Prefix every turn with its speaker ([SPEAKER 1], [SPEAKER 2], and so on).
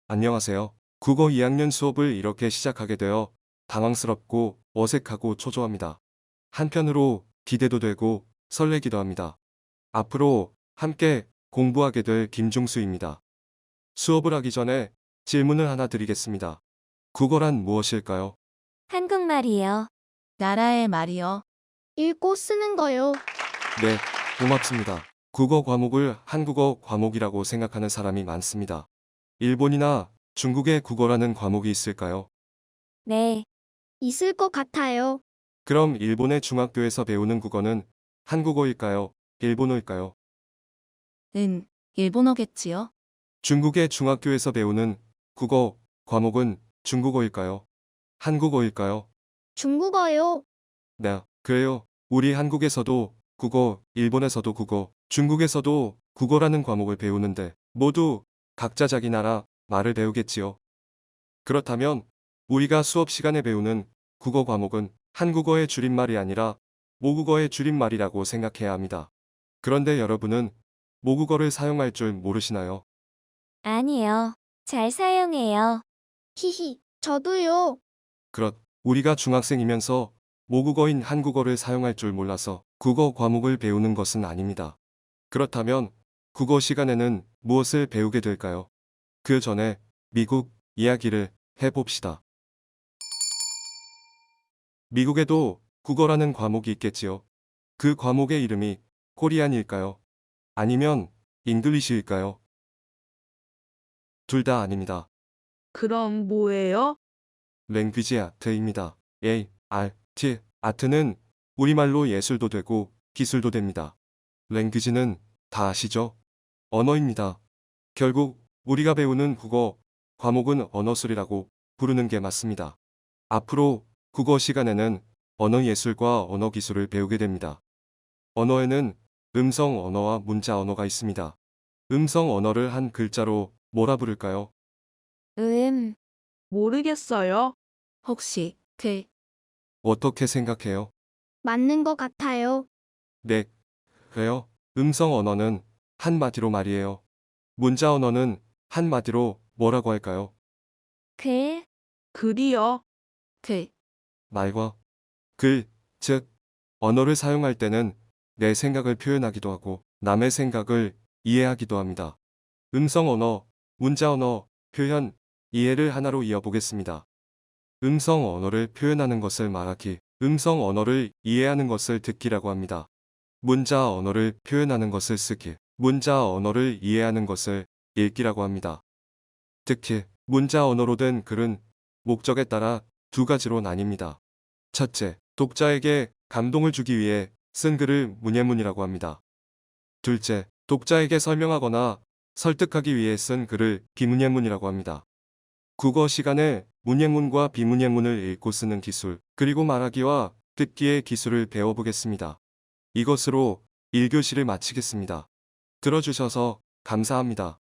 [SPEAKER 1] 안녕하세요. 국어 2학년 수업을 이렇게 시작하게 되어 당황스럽고 어색하고 초조합니다. 한편으로 기대도 되고 설레기도 합니다. 앞으로 함께 공부하게 될 김중수입니다. 수업을 하기 전에 질문을 하나 드리겠습니다. 국어란 무엇일까요?
[SPEAKER 2] 한국말이요.
[SPEAKER 3] 나라의 말이요.
[SPEAKER 4] 읽고 쓰는 거요.
[SPEAKER 1] 네, 고맙습니다. 국어 과목을 한국어 과목이라고 생각하는 사람이 많습니다. 일본이나 중국의 국어라는 과목이 있을까요?
[SPEAKER 2] 네,
[SPEAKER 4] 있을 것 같아요.
[SPEAKER 1] 그럼 일본의 중학교에서 배우는 국어는 한국어일까요? 일본어일까요?
[SPEAKER 3] 일본어겠지요.
[SPEAKER 1] 중국의 중학교에서 배우는 국어 과목은 중국어일까요? 한국어일까요?
[SPEAKER 4] 중국어요.
[SPEAKER 1] 네, 그래요. 우리 한국에서도 국어, 일본에서도 국어, 중국에서도 국어라는 과목을 배우는데 모두 각자 자기 나라 말을 배우겠지요. 그렇다면 우리가 수업 시간에 배우는 국어 과목은 한국어의 줄임말이 아니라 모국어의 줄임말이라고 생각해야 합니다. 그런데 여러분은 모국어를 사용할 줄 모르시나요?
[SPEAKER 2] 아니요. 잘 사용해요.
[SPEAKER 4] 히히, 저도요.
[SPEAKER 1] 우리가 중학생이면서 모국어인 한국어를 사용할 줄 몰라서 국어 과목을 배우는 것은 아닙니다. 그렇다면 국어 시간에는 무엇을 배우게 될까요? 그 전에 미국 이야기를 해봅시다. 미국에도 국어라는 과목이 있겠지요. 그 과목의 이름이 코리안일까요? 아니면 잉글리시일까요? 둘 다 아닙니다.
[SPEAKER 5] 그럼 뭐예요?
[SPEAKER 1] 랭귀지 아트입니다. A-R-T. 아트는 우리말로 예술도 되고 기술도 됩니다. 랭귀지는 다 아시죠? 언어입니다. 결국 우리가 배우는 국어 과목은 언어술이라고 부르는 게 맞습니다. 앞으로 국어 시간에는 언어 예술과 언어 기술을 배우게 됩니다. 언어에는 음성 언어와 문자 언어가 있습니다. 음성 언어를 한 글자로 뭐라 부를까요?
[SPEAKER 2] 음,
[SPEAKER 5] 모르겠어요.
[SPEAKER 3] 혹시
[SPEAKER 1] 어떻게 생각해요?
[SPEAKER 4] 맞는 것 같아요.
[SPEAKER 1] 네, 그래요. 음성 언어는 한마디로 말이에요. 문자 언어는 한마디로 뭐라고 할까요?
[SPEAKER 2] 글,
[SPEAKER 5] 글이요.
[SPEAKER 1] 말과 글, 즉 언어를 사용할 때는 내 생각을 표현하기도 하고 남의 생각을 이해하기도 합니다. 음성 언어, 문자 언어, 표현, 이해를 하나로 이어보겠습니다. 음성 언어를 표현하는 것을 말하기, 음성 언어를 이해하는 것을 듣기라고 합니다. 문자 언어를 표현하는 것을 쓰기, 문자 언어를 이해하는 것을 읽기라고 합니다. 특히 문자 언어로 된 글은 목적에 따라 두 가지로 나뉩니다. 첫째, 독자에게 감동을 주기 위해 쓴 글을 문예문이라고 합니다. 둘째, 독자에게 설명하거나 설득하기 위해 쓴 글을 비문예문이라고 합니다. 국어 시간에 문예문과 비문예문을 읽고 쓰는 기술, 그리고 말하기와 듣기의 기술을 배워보겠습니다. 이것으로 1교시를 마치겠습니다. 들어주셔서 감사합니다.